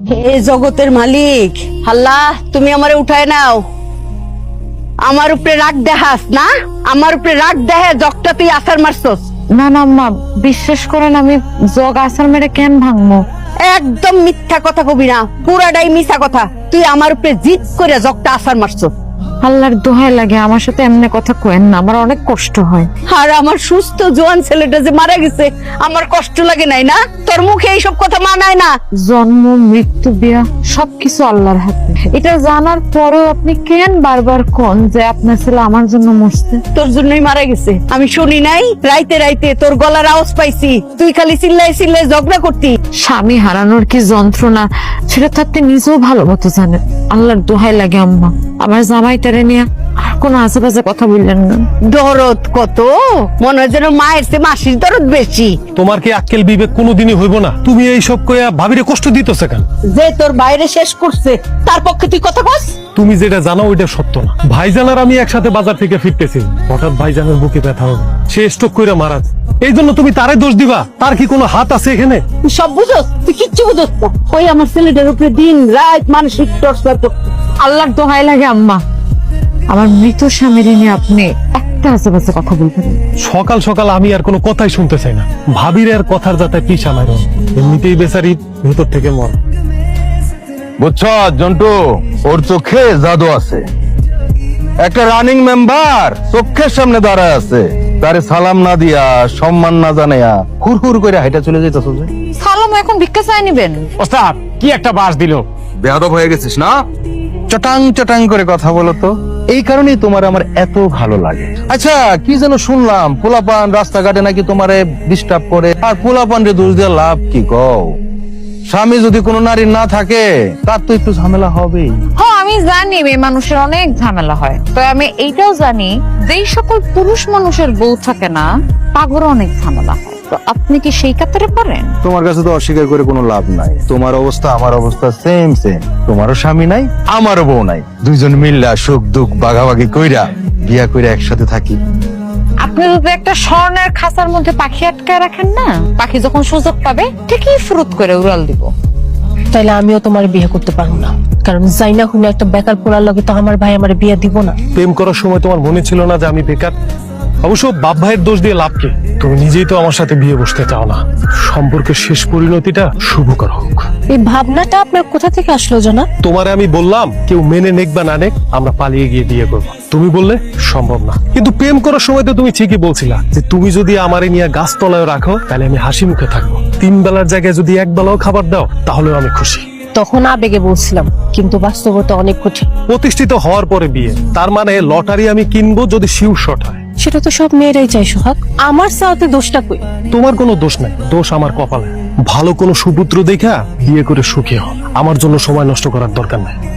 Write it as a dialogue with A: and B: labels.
A: হে জগতের মালিক আল্লাহ, তুমি আমারে উঠায় নাও। আমার উপরে রাগ দেখাস না, আমার উপরে রাগ দেহে জগটা তুই আসার মারছস।
B: না না আম্মা, বিশ্বাস করেন আমি জগ আসার মেরে কেন ভাঙবো?
A: একদম মিথ্যা কথা কবি না, পুরাটাই মিথ্যা কথা। তুই আমার উপরে জিদ করে জগটা আসার মারছস।
B: আল্লাহর দোহাই লাগে আমার সাথে এমনি কথা কয়েন না, আমার অনেক কষ্ট হয়।
A: আর আমার সুস্থ জোয়ান ছেলেটা যে মারা গেছে, আমার কষ্ট লাগে নাই না? তোর মুখে এইসব কথা মানায় না।
B: জন্ম, মৃত্যু, বিয়া সবকিছু আল্লাহর হাতে। এটা জানার পরেও আপনি কেন বারবার কোন যে আপনার ছেলে আমার জন্য মরছে?
A: তোর জন্যই মারা গেছে। আমি শুনি নাই রাইতে রাইতে তোর গলার আওয়াজ পাইছি, তুই খালি চিল্লাই চিল্লাই ঝগড়া করতি।
B: স্বামী হারানোর কি যন্ত্রণা সেটা তো আপনি নিজেও ভালো মতো জানেন। আল্লাহর দোহাই লাগে আম্মা, আমার জামাইটারে নিয়ে আর কোনো আশেপাশে কথা বললেন না।
A: দরদ কত, মনে হয় যেন মায়ের চেয়ে মাসির দরদ বেশি।
C: তোমার কি আক্কেল বিবেক কোনোদিনই হইব না? তুমি এই সব কইয়া ভাবিরে কষ্ট দিতেছ কেন?
A: যে তোর বাইরে শেষ করছে তার পক্ষে তুই কথা বল।
C: তুমি যেটা জানো ওইটা সত্য না। ভাইজান আর আমি একসাথে বাজার থেকে ফিরতেছি, হঠাৎ ভাইজানের বুকে ব্যথা হবে, সে স্ট্রোক কইরা মারা যায়। এই জন্য তুমি তারে দোষ দিবা? তার কি কোনো হাত আছে এখানে?
A: তুই সব বুঝোস, তুই কিচ্ছু বুঝোস না। ওই আমার ছেলেটার উপরে দিন রাত মানসিক টর্চার করতে।
B: আল্লাহর দোহাই লাগে আম্মা, আমার মৃত স্বামীর নিয়ে আপনি একটা আশেপাশে কথা বলবেন।
C: সকাল সকাল আমি আর কোনো কথাই শুনতে চাই না। ভাবির আর কথার যাতে পিছা মার, এমনিতেই বেচারি ভেতর থেকে মর।
D: বুঝছ জন্টু, ওর চোখে জাদু আছে। একটা রানিং মেম্বার চোখের সামনে দাঁড়ায় আছে, তারে সালাম না দিয়া সম্মান না জানাইয়া হুর হুর করে হাইটা চলে যাইতেছ যে।
B: সালাম এখন ভিক্ষা চাই নিবেন?
E: ওস্তাদ কি একটা বাস দিল।
D: বেয়াদব হয়ে গেছিস না? চটাং চটাং করে কথা বলো তো। এই কারণেই তোমার আমার এত ভালো লাগে। আচ্ছা, কি যেন শুনলাম পোলাপান রাস্তাঘাটে নাকি তোমারে ডিস্টার্ব করে, আর পোলাপান রে দোষ দিয়ে লাভ কি? কও, স্বামী যদি কোনো নারীর না থাকে তার তো একটু ঝামেলা হবেই।
B: হ্যাঁ আমি জানি মেয়ে মানুষের অনেক ঝামেলা হয়, তো আমি এইটাও জানি যেই সকল পুরুষ মানুষের বউ থাকে না তাগরও অনেক ঝামেলা হয়। তো আপনি কি সেই কাতারে পারেন?
D: তোমার কাছে তো অস্বীকার করে কোনো লাভ নাই। তোমার অবস্থা আমার অবস্থা সেম সেম। তোমারও স্বামী নাই, আমারও বউ নাই। দুইজন মিল্লা সুখ দুঃখ ভাগাভাগি কইরা বিয়া কইরা একসাথে থাকি।
B: আপনি যদি একটা স্বর্ণের খাঁচার মধ্যে পাখি আটকায় রাখেন না, পাখি যখন সুযোগ পাবে ঠিকই ফুরুত করে উড়াল দিব।
F: তাইলে আমিও তোমার বিয়ে করতে পারবো না, কারণ জাইনা হুনে একটা বেকার পোলার লগে তো আমার ভাই আমার বিয়ে দিব না।
C: প্রেম করার সময় তোমার মনে ছিল না যে আমি বেকার? অবশ্য বাপ ভাইয়ের দোষ দিয়ে লাভ কি? তুমি নিজেই তো আমার সাথে বিয়ে বসতে চাও না। সম্পর্কের শেষ পরিণতিটা শুভকর হোক।
F: এই ভাবনাটা আপনার কোথা থেকে আসলো জানা?
C: তোমারে আমি বললাম কেউ মেনে নেক বা না নেক আমরা পালিয়ে গিয়ে বিয়ে করবো, তুমি বললে সম্ভব না। কিন্তু প্রেম করার সময় তো তুমি ঠিকই বলছিলা যে তুমি যদি আমারে নিয়ে গাছতলায় রাখো তাহলে আমি হাসি মুখে থাকবো। 3 বেলার জায়গায় যদি 1 বেলাও খাবার দাও তাহলেও আমি খুশি।
F: তখন আবেগে বলছিলাম, কিন্তু বাস্তবতা অনেক কঠিন।
C: প্রতিষ্ঠিত হওয়ার পরে বিয়ে, তার মানে লটারি আমি কিনবো যদি শিউ শট হয়।
F: সেটা তো সব মেয়েরাই চাই সোহাগ, আমার সাথে দোষটা কই?
C: তোমার কোনো দোষ নাই, দোষ আমার কপালে। ভালো কোনো সুপুত্র দেখা বিয়ে করে সুখী হও, আমার জন্য সময় নষ্ট করার দরকার নাই।